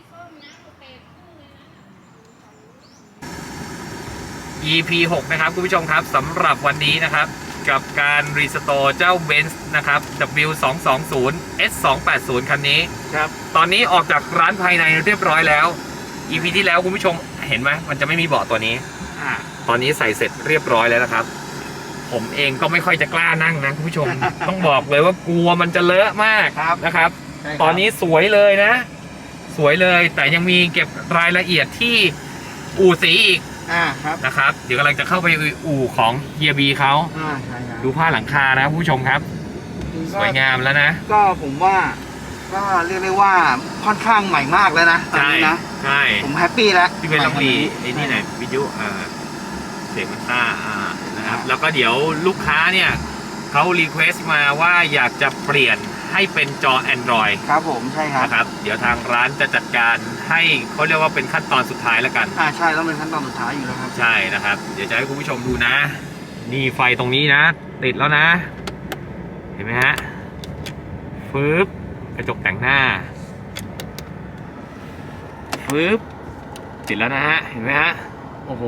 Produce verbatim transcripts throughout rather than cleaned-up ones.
อี พี หกนะครับคุณผู้ชมครับสำหรับวันนี้นะครับกับการรีสโตร์เจ้า Benz นะครับ ดับเบิลยู สอง สอง ศูนย์ เอส สอง แปด ศูนย์ คันนี้ครับตอนนี้ออกจากร้านภายในเรียบร้อยแล้ว อี พี ที่แล้วคุณผู้ชมเห็นไหมมันจะไม่มีเบาะตัวนี้อ่าตอนนี้ใส่เสร็จเรียบร้อยแล้วนะครับผมเองก็ไม่ค่อยจะกล้านั่งนะคุณผู้ชม ต้องบอกเลยว่ากลัวมันจะเลอะมากนะครับตอนนี้สวยเลยนะสวยเลยแต่ยังมีเก็บรายละเอียดที่อู่สีอีกอ่าครับนะครับเดี๋ยวกำลังจะเข้าไปอู่ของเฮียบีเขาอ่าใช่ครับดูผ้าหลังคานะผู้ชมครับสวยงามแล้วนะก็ผมว่าก็เรียกได้ว่าค่อนข้างใหม่มากแล้วนะตอนนี้นะใช่ผมแฮปปี้แล้วพี่เป็นต้องรีไอ้นี่ไหนวิทยุอ่าเสียงมันซ่าอ่านะครับแล้วก็เดี๋ยวลูกค้าเนี่ยเขารีเควสต์มาว่าอยากจะเปลี่ยนให้เป็นจอ Android ครับผมใช่ครับนะครับเดี๋ยวทางร้านจะจัดการให้เขาเรียกว่าเป็นขั้นตอนสุดท้ายแล้วกันอ่าใช่ต้องเป็นขั้นตอนสุดท้ายอยู่แล้วครับใช่นะครับเดี๋ยวจะให้คุณผู้ชมดูนะนี่ไฟตรงนี้นะติดแล้วนะเห็นไหมฮะฟืบกระจกแต่งหน้าฟืบติดแล้วนะฮะเห็นไหมฮะโอ้โห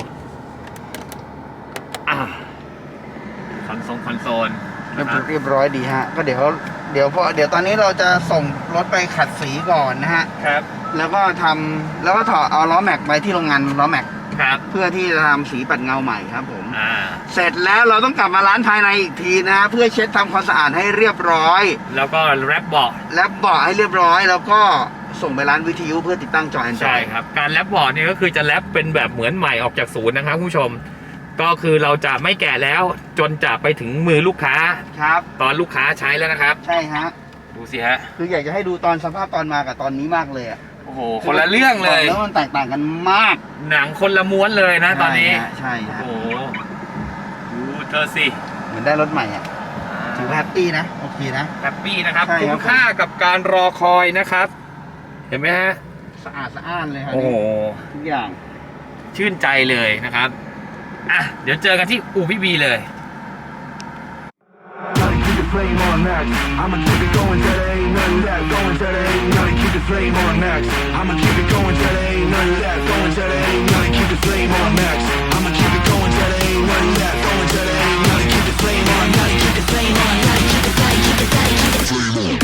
อ่ะคอนโซลคอนโซลเรียบร้อยดีฮะก็เดี๋ยวเดี๋ยวพอเดี๋ยวตอนนี้เราจะส่งรถไปขัดสีก่อนนะฮะครับแล้วก็ทำแล้วก็ถอดเอาล้อแม็กไปที่โรงงานล้อแม็กครับเพื่อที่จะทำสีปัดเงาใหม่ครับผมอ่าเสร็จแล้วเราต้องกลับมาล้างภายในอีกทีนะฮะเพื่อเช็ดทำความสะอาดให้เรียบร้อยแล้วก็แรปเบาะแรปเบาะให้เรียบร้อยแล้วก็ส่งไปร้านวิทยุเพื่อติดตั้งจอ Android ใช่ครับการแรปเบาะเนี่ยก็คือจะแรปเป็นแบบเหมือนใหม่ออกจากศูนย์นะครับผู้ชมก็คือเราจะไม่แกะแล้วจนจะไปถึงมือลูกค้าครับตอนลูกค้าใช้แล้วนะครับใช่ฮะดูสิฮะคืออยากจะให้ดูตอนสภาพตอนมากับตอนนี้มากเลยอ่ะโอ้โหคนละเรื่องเลยแล้วมันแตกต่างกันมากหนังคนละม้วนเลยนะตอนนี้ใช่ฮะโอ้โหดูเธอสิเหมือนได้รถใหม่อ่ะถือว่าแฮปปี้นะโอเคนะแฮปปี้นะครับคุ้มค่ากับการรอคอยนะครับเห็นไหมฮะสะอาดสะอ้านเลยครับโอ้โหทุกอย่างชื่นใจเลยนะครับอ่ะเดี๋ยวเจอกันที่อู่พี่บีเลย Flame on max. I'ma keep it going till there ain't none left. Going till there ain't none. Keep the flame on max. I'ma keep it going till there ain't none left. Going till there ain't none. Keep the flame on max. I'ma keep it going till there ain't none left. Going till there ain't none. Keep the flame on. Gotta keep the flame on. Gotta keep it tight. Keep it tight. Keep the flame on.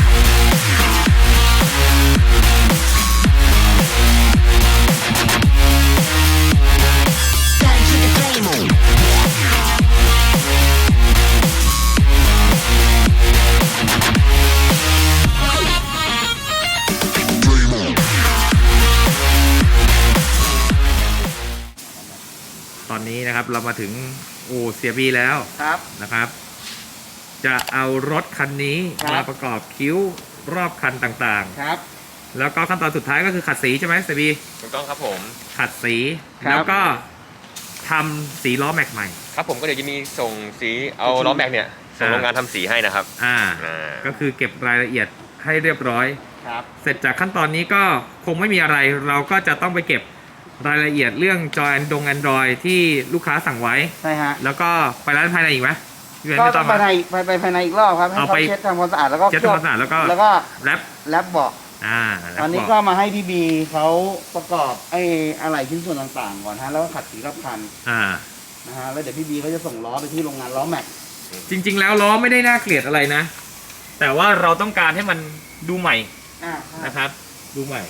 ตอนนี้นะครับเรามาถึงอู่เสียบีแล้วครับนะครับจะเอารถคันนี้มาประกอบคิ้วรอบคันต่างๆครับแล้วก็ขั้นตอนสุดท้ายก็คือขัดสีใช่ไหมเสียบีถูกต้องครับผมขัดสีแล้วก็ทำสีล้อแม็กใหม่ครับผมก็เดี๋ยวจะมีส่งสีเอาล้อแม็กเนี่ยส่งโรงงานทำสีให้นะครับอ่าก็คือเก็บรายละเอียดให้เรียบร้อยครับเสร็จจากขั้นตอนนี้ก็คงไม่มีอะไรเราก็จะต้องไปเก็บรายละเอียดเรื่องจอแอนดงแอนดรอยที่ลูกค้าสั่งไว้ใช่ฮะแล้วก็ไปร้านภายในอีกไหมก็ต้องไปภายไปไปภายในอีกรอบครับให้เขาเช็ดทำความสะอาดแล้วก็เช็ดทำความสะอาดแล้วก็แล้วก็แรปแรปเบาะอ่าตอนนี้ก็มาให้พี่บีเขาประกอบไอ้อะไรชิ้นส่วนต่างๆก่อนฮะแล้วก็ขัดสีรอบคันอ่านะฮะแล้วเดี๋ยวพี่บีเขาจะส่งล้อไปที่โรงงานล้อแม็กจริงๆแล้วล้อไม่ได้น่าเกลียดอะไรนะแต่ว่าเราต้องการให้มันดูใหม่นะครับดูใหม่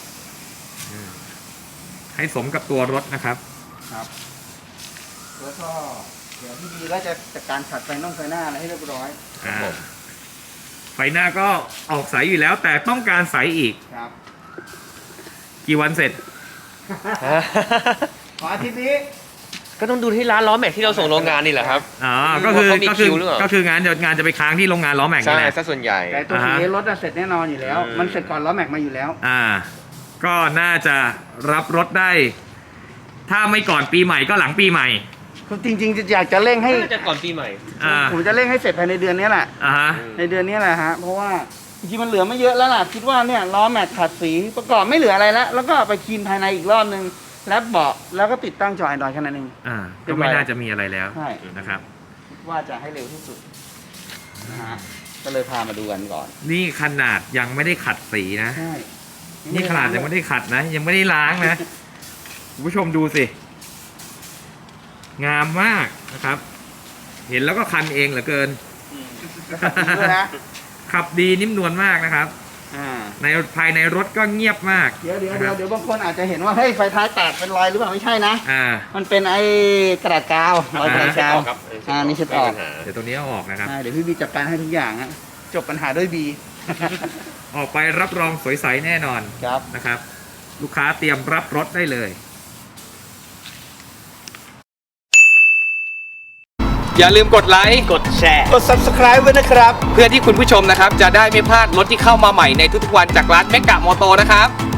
ให้สมกับตัวรถนะครับครับแล้วก็เดี๋ยวพี่บีก็จะจัดการขัดไฟน่องไฟหน้าอะไรให้เรียบร้อยอ่าไฟหน้าก็ออกใสอยู่แล้วแต่ต้องการใสอีกครับกี่วันเสร็จขออาทิตย์นี้ก็ต้องดูที่ร้านล้อแม็กที่เราส่งโรงงานนี่แหละครับอ๋อก็คือก็คือก็คืองานงานจะไปค้างที่โรงงานล้อแม็กนี่แหละใช่ซะส่วนใหญ่แต่ตัวสีรถเสร็จแน่นอนอยู่แล้วมันเสร็จก่อนล้อแม็กมาอยู่แล้วอ่าก็น่าจะรับรถได้ถ้าไม่ก่อนปีใหม่ก็หลังปีใหม่จริงๆอยากจะเร่งให้น่าจะก่อนปีใหม่ผมจะเร่งให้เสร็จภายในเดือนนี้แหละอ่าฮะในเดือนนี้แหละฮะเพราะว่าจริงๆมันเหลือไม่เยอะแล้วล่ะคิดว่าเนี่ยล้อแม็กขัดสีประกอบไม่เหลืออะไรแล้วแล้วก็ไปคลีนภายในอีกรอบนึงแรปเบาะแล้วก็ติดตั้งจอ Android แค่นั้นเองอ่าก็ไม่น่าจะมีอะไรแล้วนะครับว่าจะให้เร็วที่สุดนะฮะก็เลยพามาดูกันก่อนนี่ขนาดยังไม่ได้ขัดสีนะใช่นี่ขนาดยังไม่ได้ขัดนะ ยังไม่ได้ล้างนะคุณผู้ชมดูสิ งามมากนะครับ เห็นแล้วก็คันเองเหลือเกินขับดีด้วยนะขับดีนิ่มนวลมากนะครับอ่าในภายในรถก็เงียบมากเดี๋ยวเดี๋ยวนะคเดี๋ยรัวบเดี๋ยวบางคนอาจจะเห็นว่าเฮ้ยไฟท้ายแตกเป็นรอยหรือเปล่าไม่ใช่นะอ่ามันเป็นไอ้กระดาษกาวรอยกระดาษกาวครับอ่านี่เช็ดออกไม่มีปัญหาเดี๋ยวตัวนี้เอาออกนะครับอ่าเดี๋ยวพี่บีจัดการให้ทุกอย่างฮะจบปัญหาด้วยบีออกไปรับรองสวยใสแน่นอนครับนะครับ ลูกค้าเตรียมรับรถได้เลย อย่าลืมกดไลค์กดแชร์ กด ซับสไครบ์ ไว้นะครับเพื่อที่คุณผู้ชมนะครับ จะได้ไม่พลาดรถที่เข้ามาใหม่ในทุกๆวันจากร้านเมกะมอโตนะครับ